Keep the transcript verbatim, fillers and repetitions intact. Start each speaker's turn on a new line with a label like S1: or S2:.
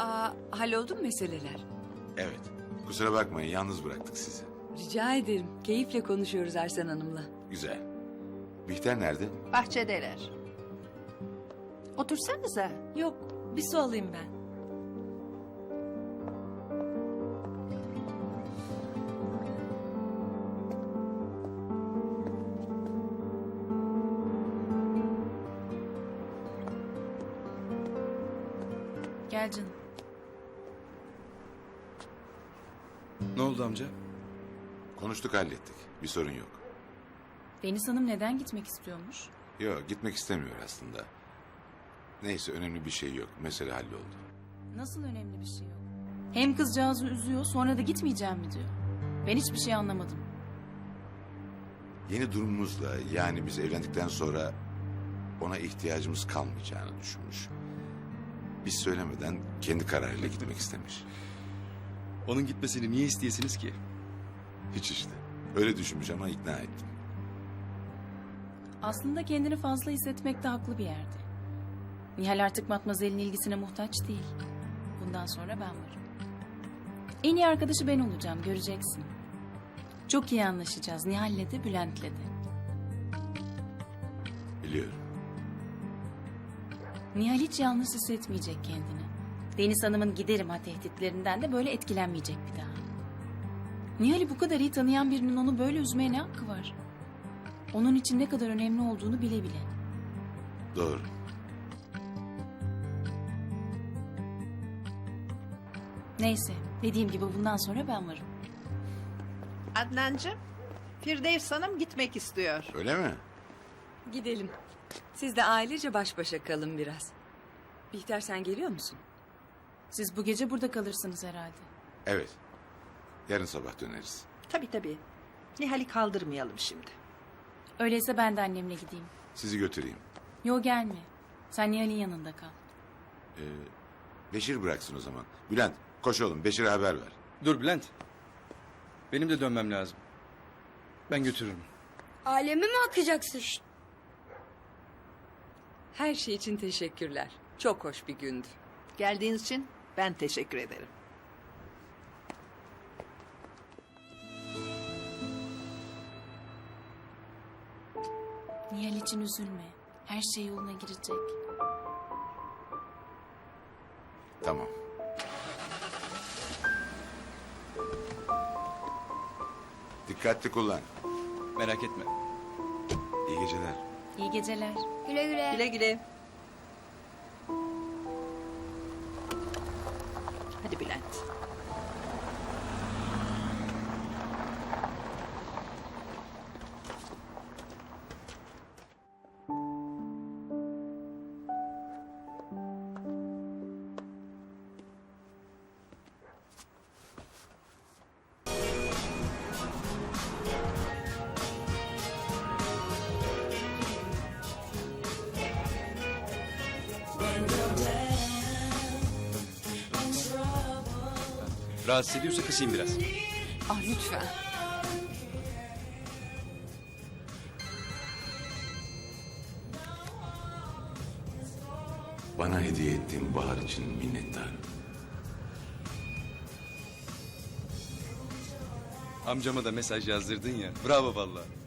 S1: Aa, halloldu mu meseleler?
S2: Evet. Kusura bakmayın yalnız bıraktık sizi.
S1: Rica ederim. Keyifle konuşuyoruz Ersen Hanım'la.
S2: Güzel. Bihter nerede?
S3: Bahçedeler. Otursanıza.
S4: Yok, bir su alayım ben. Gel canım.
S5: Ne oldu amca?
S2: Konuştuk hallettik. Bir sorun yok.
S4: Deniz Hanım neden gitmek istiyormuş?
S2: Yok gitmek istemiyor aslında. Neyse önemli bir şey yok. Mesele halloldu.
S4: Nasıl önemli bir şey yok? Hem kızcağızı üzüyor, sonra da gitmeyeceğim mi diyor. Ben hiçbir şey anlamadım.
S2: Yeni durumumuzla yani biz evlendikten sonra ona ihtiyacımız kalmayacağını düşünmüş. Biz söylemeden kendi kararıyla gitmek istemiş.
S5: Onun gitmesini niye isteyesiniz ki?
S2: Hiç işte. Öyle düşünmüş ama ikna ettim.
S4: Aslında kendini fazla hissetmekte haklı bir yerde. Nihal artık Matmazel'in ilgisine muhtaç değil. Bundan sonra ben varım. En iyi arkadaşı ben olacağım, göreceksin. Çok iyi anlaşacağız Nihal'le de Bülent'le de.
S2: Biliyorum.
S4: Nihal hiç yalnız hissetmeyecek kendini. Deniz Hanım'ın giderim ha tehditlerinden de böyle etkilenmeyecek bir daha. Nihal'i bu kadar iyi tanıyan birinin onu böyle üzmeye ne hakkı var? Onun için ne kadar önemli olduğunu bile bile.
S2: Doğru.
S4: Neyse, dediğim gibi bundan sonra ben varım.
S3: Adnancığım, Firdevs Hanım gitmek istiyor.
S2: Öyle mi?
S1: Gidelim. Siz de ailece baş başa kalın biraz. Bihter sen geliyor musun?
S4: Siz bu gece burada kalırsınız herhalde.
S2: Evet. Yarın sabah döneriz.
S3: Tabii tabii. Nihal'i kaldırmayalım şimdi.
S4: Öyleyse ben de annemle gideyim.
S2: Sizi götüreyim.
S4: Yo gelme. Sen Nihal'in yanında kal.
S2: Ee, Beşir bıraksın o zaman. Bülent koş oğlum Beşir'e haber ver.
S5: Dur Bülent. Benim de dönmem lazım. Ben götürürüm.
S6: Ailemi mi atacaksın?
S1: Her şey için teşekkürler. Çok hoş bir gündü.
S3: Geldiğiniz için ben teşekkür ederim.
S4: Nihal için üzülme. Her şey yoluna girecek.
S2: Tamam. Dikkatli kullan.
S5: Merak etme.
S2: İyi geceler.
S4: İyi geceler.
S6: Güle güle.
S3: Güle güle. Hadi Bülent.
S5: Rahatsız ediyorsa kısayım biraz.
S1: Ah lütfen.
S2: Bana hediye ettiğin bahar için minnettarım.
S5: Amcama da mesaj yazdırdın ya. Bravo vallahi.